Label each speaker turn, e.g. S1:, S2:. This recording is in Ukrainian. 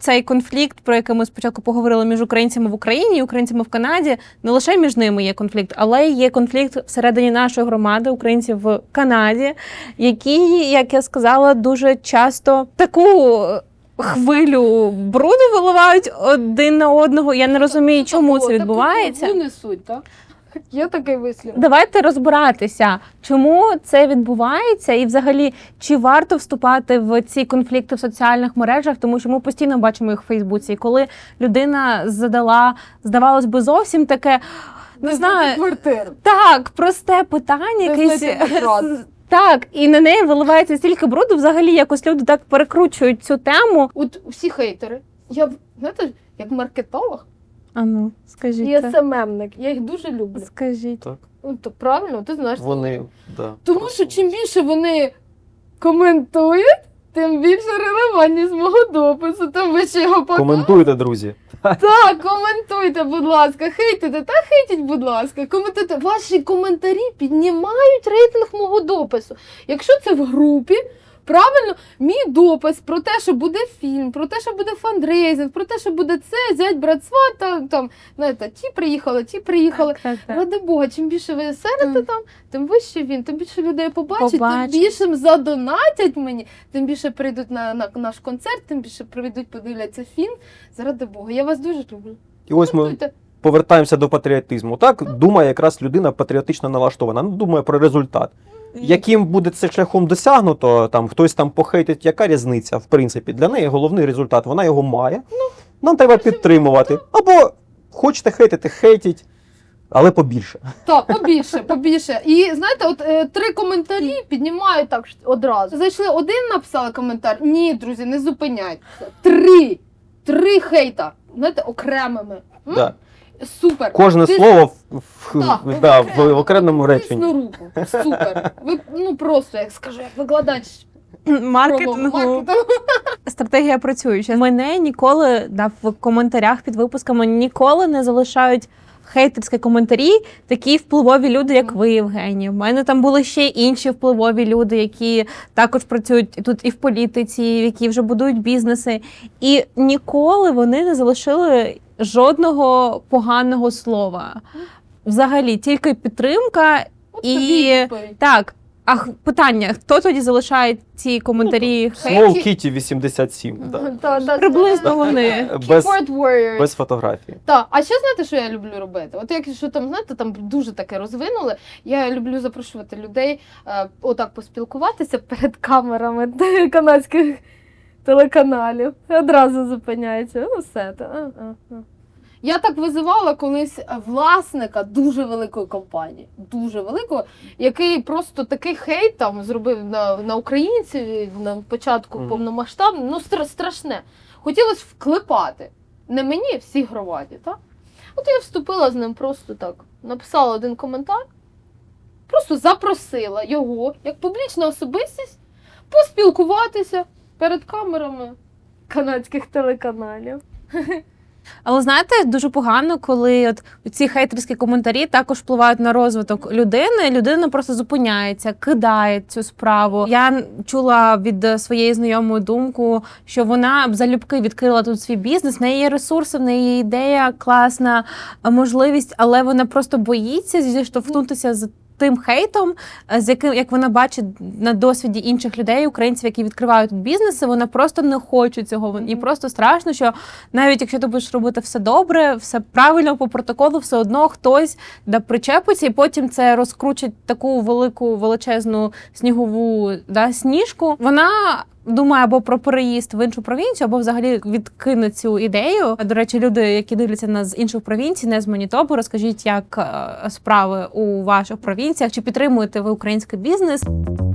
S1: цей конфлікт, про який ми спочатку поговорили між українцями в Україні і українцями в Канаді, не лише між ними є конфлікт, але є конфлікт всередині нашої громади, українців в Канаді, які, як я сказала, дуже часто таку хвилю бруду виливають один на одного. Я не розумію, чому це відбувається.
S2: Таку несуть, так? Є такий вислів.
S1: Давайте розбиратися, чому це відбувається і взагалі, чи варто вступати в ці конфлікти в соціальних мережах, тому що ми постійно бачимо їх в Фейсбуці. І коли людина задала, здавалось би, зовсім таке, не знаю,
S2: квартиру.
S1: так, просте питання, якесь. Так, і на неї виливається стільки бруду, взагалі якось люди так перекручують цю тему.
S2: От всі хейтери, знаєте, як маркетолог,
S1: А ну, скажіть.
S2: і СММник, я їх дуже люблю.
S1: Скажіть.
S3: Так.
S2: Ну, то правильно, ти знаєш.
S3: Вони, да.
S2: Тому що чим більше вони коментують, тим більше релевантність мого допису, тим вище його показують.
S3: Коментуйте, друзі.
S2: Так, коментуйте, будь ласка, хейтите, та хейтіть, будь ласка, коментуйте. Ваші коментарі піднімають рейтинг мого допису. Якщо це в групі, правильно, мій допис про те, що буде фільм, про те, що буде фандрейзинг, про те, що буде це, зять, брат, сват, там, знаєте, ті приїхали.
S1: Так.
S2: Ради Бога, чим більше ви серите там, тим вище він, тим більше людей побачить,
S1: Побачить.
S2: тим більше задонатять мені, тим більше прийдуть на наш концерт, тим більше прийдуть, подивляться фільм. Заради Бога, я вас дуже люблю.
S3: І ось ми
S2: Коментуйте.
S3: повертаємося до патріотизму. Так думає якраз людина патріотично налаштована, думає про результат. Яким буде це шляхом досягнуто, там хтось там похейтить, яка різниця, в принципі, для неї головний результат, вона його має, нам треба підтримувати. Або хочете хейтити, хейтіть, але побільше.
S2: Так, побільше. І знаєте, от 3 коментарі піднімають так одразу. Зайшли один, написали коментар. Ні, друзі, не зупиняйтеся. 3 хейта, знаєте, окремими.
S3: Да.
S2: Супер.
S3: Кожне слово в окремому
S2: Тисну
S3: реченні.
S2: руку. Супер. Ви, просто, як скажу, як викладач
S1: Маркетингу. Стратегія працююча. Мене ніколи в коментарях під випусками ніколи не залишають хейтерські коментарі такі впливові люди, як ви, Євгенія. У мене там були ще інші впливові люди, які також працюють тут і в політиці, які вже будують бізнеси. І ніколи вони не залишили жодного поганого слова. Взагалі, тільки підтримка і... Так. А питання, хто тоді залишає ці коментарі?
S3: Small Kitty 87. Да.
S1: Приблизно вони.
S3: Без фотографії.
S2: Так, а ще знаєте, що я люблю робити? От якщо там, знаєте, там дуже таке розвинули, я люблю запрошувати людей отак поспілкуватися перед камерами канадських телеканалів. Одразу зупиняється. Ну все. Я так визивала колись власника дуже великої компанії, дуже великого, який просто такий хейт там зробив на українців на початку повномасштабно, ну страшне. Хотілося вклепати. Не мені, всій громаді, так? От я вступила з ним просто так, написала один коментар, просто запросила його, як публічна особистість, поспілкуватися перед камерами канадських телеканалів.
S1: Але знаєте, дуже погано, коли от ці хейтерські коментарі також впливають на розвиток людини. Людина просто зупиняється, кидає цю справу. Я чула від своєї знайомої думку, що вона б залюбки відкрила тут свій бізнес, в неї є ресурси, в неї є ідея, класна можливість, але вона просто боїться зіштовхнутися з тим хейтом, з яким, як вона бачить на досвіді інших людей, українців, які відкривають тут бізнеси, вона просто не хоче цього. І просто страшно, що навіть якщо ти будеш робити все добре, все правильно по протоколу, все одно хтось причепиться, і потім це розкручить таку велику, величезну снігову сніжку. Вона думає або про переїзд в іншу провінцію, або взагалі відкине цю ідею. До речі, люди, які дивляться нас з інших провінцій, не з Манітоби, розкажіть, як справи у ваших провінціях, чи підтримуєте ви український бізнес?